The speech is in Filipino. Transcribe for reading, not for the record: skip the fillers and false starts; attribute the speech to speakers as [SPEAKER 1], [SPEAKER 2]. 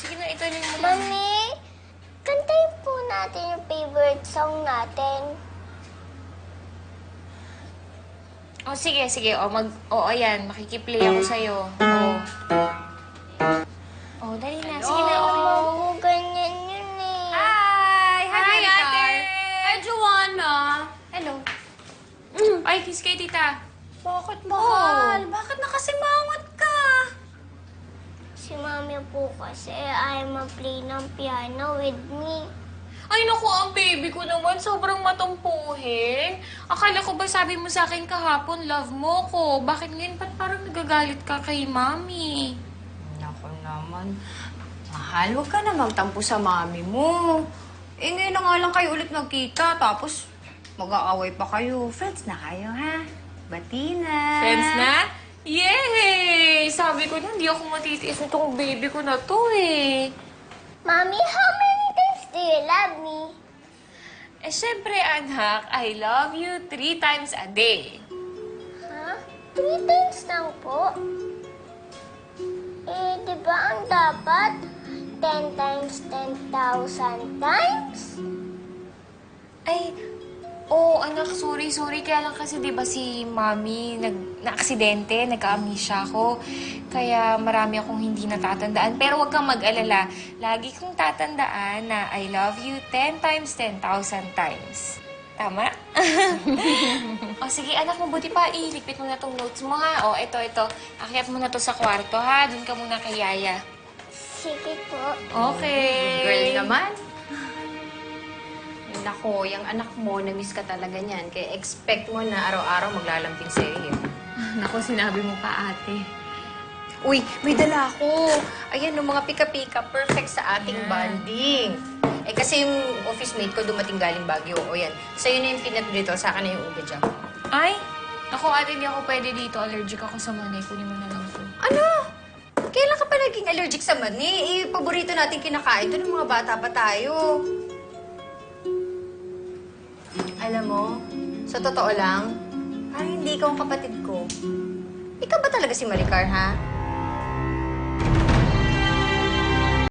[SPEAKER 1] Sige na, ito mo.
[SPEAKER 2] Mami, kantayin po natin yung favorite song natin.
[SPEAKER 1] Oh, sige. Ayan. Makikiplay ako sa'yo. Dali na. Sige na,
[SPEAKER 2] Po, ganyan yun eh.
[SPEAKER 1] Hi!
[SPEAKER 3] Hi, ate! Hi, Joanna!
[SPEAKER 1] Hello. Ay, kiss kay tita.
[SPEAKER 3] Bakit, mahal? Bakit nakasimangot ka?
[SPEAKER 2] Si Mami po kasi ay mag-play ng piano with me.
[SPEAKER 1] Ay, naku, ang baby ko naman. Sobrang matumpuhin. Akala ko ba sabi mo sa akin kahapon, love mo ko. Bakit ngayon ba't parang nagagalit ka kay mami?
[SPEAKER 3] Naku naman. Mahal, huwag ka na magtampo sa mami mo. Eh, ngayon na nga lang kayo ulit nagkita, tapos mag-aaway pa kayo. Friends na kayo, ha? Bati na.
[SPEAKER 1] Friends na? Yay! Sabi ko na, hindi ako matitiis nitong baby ko na to eh.
[SPEAKER 2] Mami, how many times do you love me?
[SPEAKER 1] Eh, syempre, anak, I love you 3 times a day.
[SPEAKER 2] Ha? 3 times lang po? Eh, di ba ang dapat 10 times 10,000 times?
[SPEAKER 1] Ay, anak, sorry. Kaya lang kasi, di ba si Mami na-aksidente, nagka-amnesia ako. Kaya marami akong hindi natatandaan. Pero huwag kang mag-alala. Lagi kong tatandaan na I love you 10 times 10,000 times. Tama? Sige, anak, mabuti pa. Iligpit mo na tong notes mo, ha? Ito. Akyat mo na to sa kwarto, ha? Doon ka muna kay Yaya.
[SPEAKER 2] Sige po.
[SPEAKER 1] Okay.
[SPEAKER 3] Girl naman. Nako, yung anak mo, na-miss ka talaga niyan. Kaya expect mo na araw-araw maglalampin sa'yo yun.
[SPEAKER 1] Naku, sinabi mo pa, ate.
[SPEAKER 3] Uy, may dala ako. Ayan, yung mga pika-pika, perfect sa ating bonding. Eh, kasi yung office mate ko dumating galing Baguio. O yan, sa'yo na yung peanut brittle, sa akin na yung ube jam.
[SPEAKER 1] Ay, ako, ate, hindi ako pwede dito. Allergic ako sa mani. Kunin mo na lang to.
[SPEAKER 3] Ano? Kailan ka pa naging allergic sa mani? Paborito natin kinakain ito ng mga bata pa tayo. Alam mo, sa totoo lang, parang hindi ikaw ang kapatid ko. Ikaw ba talaga si Maricar, ha?